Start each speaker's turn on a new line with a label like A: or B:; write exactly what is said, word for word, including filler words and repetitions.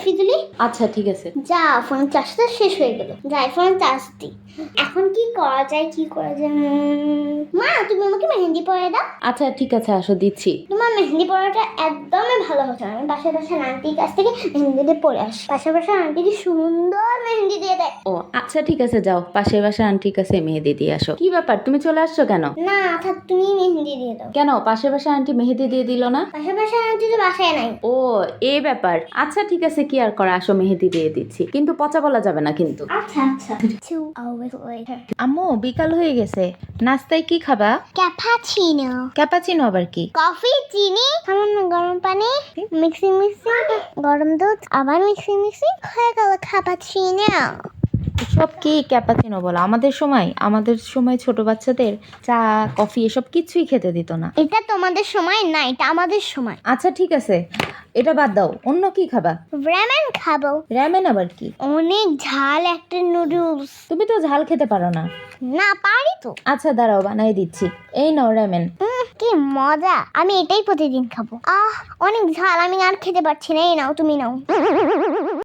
A: Selfie তুলি।
B: আচ্ছা ঠিক আছে।
A: যা ফোনের চার্জটা শেষ হয়ে গেল, যাই ফোনের চার্জ দিই। এখন কি করা যায় কি করা যায় মা, তুমি আমাকে মেহেন্দি পরে দাও।
B: আচ্ছা ঠিক আছে, আসো দিচ্ছি।
A: তোমার মেহেন্দি পরাটা একদমই ভালো হচ্ছে। আমি পাশে পাশে আন্টির কাছ থেকে মেহেন্দি দিয়ে পরে আসি। পাশে পাশে আন্টি কি সুন্দর মেহেন্দি দিয়ে দেয়।
B: ও আচ্ছা ঠিক আছে, যাও পাশের বাসার আন্টির কাছে মেহেদি দিয়ে আসো। কি ব্যাপার, তুমি চলে আসছো কেন?
A: না থাক, তুমি মেহেন্দি দিয়ে দাও।
B: কেন, পাশের বাসার আন্টি মেহেদি দিয়ে দিল না?
A: পাশে পাশে আন্টি তো বাসায় নাই।
B: ও এই ব্যাপার, আচ্ছা ঠিক আছে, কি আর করা, আসো মেহেদি দিয়ে দিচ্ছি, কিন্তু পচা বলা যাবে না কিন্তু।
A: আচ্ছা আচ্ছা। Two hours later.
B: আম্মু বিকাল হয়ে গেছে, নাস্তায় কি খাবা?
A: ক্যাপাচিনো।
B: ক্যাপাচিনো আবার কি?
A: কফি, চিনি, সামান্য গরম পানি, মিক্সিং মিক্সিং, গরম দুধ, আবার মিক্সিং মিক্সিং, হয়ে গেল ক্যাপাচিনো।
B: সব কি ক্যাপাচিনো বলো? আমাদের সময় আমাদের সময় ছোট বাচ্চাদের চা কফি এসব কিছুই খেতে দিত না।
A: এটা তোমাদের সময় না, এটা আমাদের সময়।
B: আচ্ছা ঠিক আছে, এটা বাদ দাও, অন্য কি খাবা?
A: র্যামেন খাবো।
B: র্যামেন আবার কি?
A: অনেক ঝাল একটা নুডলস।
B: তুমি তো ঝাল খেতে পারো না।
A: না পারি তো।
B: আচ্ছা দাঁড়াও, বানাই দিচ্ছি, এই নাও র্যামেন।
A: উম, কি মজা, আমি এটাই প্রতিদিন খাবো। আহ অনেক ঝাল, আমি আর খেতে পারছি না। এই নাও, তুমি নাও।